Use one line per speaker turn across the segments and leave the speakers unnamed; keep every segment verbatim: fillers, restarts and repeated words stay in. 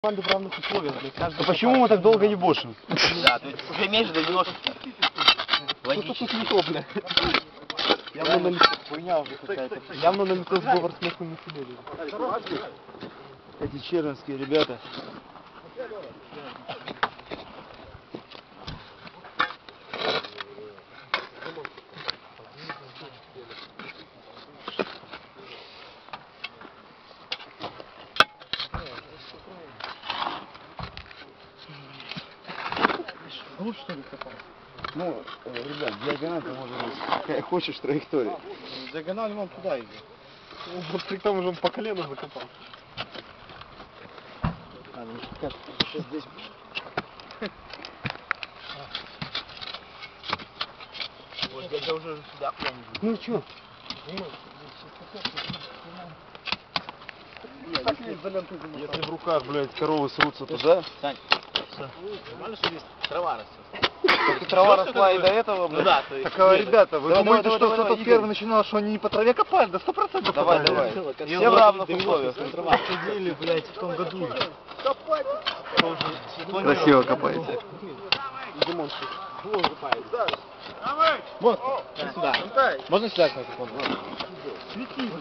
Команды в равных условиях, блядь.
Да почему мы так долго ебошим?
Да, ты уже меньше доведешь.
Что тут не то, блядь? Явно на лицо хуйня уже какая-то. Явно на лицо сговор с местными населением.
Эти чернские ребята.
Ну что ли копал?
Ну, э, ребят, диагональ может быть какая хочешь траектория.
Диагональ вон туда идет. Ну, вот при том уже он по колено закопал.
А, ну как? Сейчас здесь.
Вот я уже сюда куда-нибудь.
Ну чё?
Если в руках, блядь, коровы срутся туда.
Сань, нормально, что здесь трава растет?
Так и трава росла и до этого, блядь.
Ну да, то есть.
Так, а, ребята, вы
Давай,
думаете,
давай,
что
давай,
кто-то
давай,
первый
Игорь.
начинал, что они не по траве копали? Да сто процентов
Давай,
копали.
давай.
Все
Все в равных условиях.
Трава.
Сидели, блядь, в том году.
Красиво копаете.
Димон,
Вот, иди сюда. Можно сюда, кстати,
свети,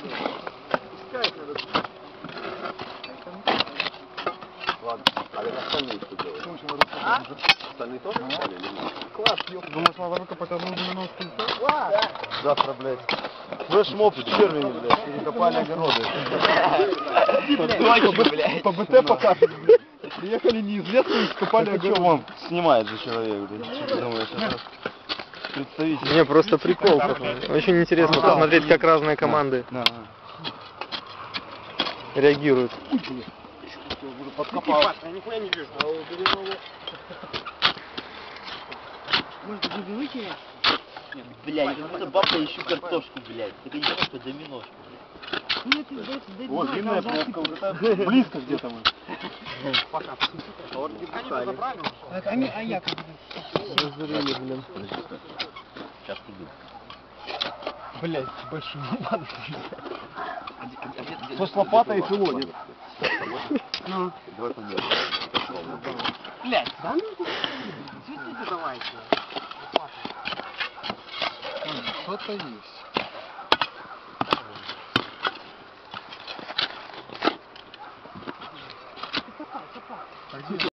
Ладно, а как остальные что делают? Остальные тоже копали или нет?
класс, ёпта. Думаешь, надо выкопать одну девяностую?
Завтра, блядь. Флешмоб в червени, блядь. Перекопали огороды.
Точно, блядь.
По БТ показывали, блядь. Приехали не из леса и скопали
Так что
огород.
вон снимает же человек, блядь. Что ты думаешь, это представитель?
Не, просто прикол. Очень интересно
А,
посмотреть,
есть.
как разные команды
Да, да.
реагируют.
Подкопал.
Я нихуя не вижу. Может, вы выкинешь? Нет, блядь, как будто бабка ищу картошку, блядь. Так я не знаю, что доминошку, блядь.
Вот, длинная пробка, вот это близко где-то мы. Пока. А, а я как бы...
Разорили, блин.
Сейчас иду.
Блять, большой ебан. Что с лопатой и филонит. Ну.
Давай померим.
Блять, да ну светите давайте. Что-то есть.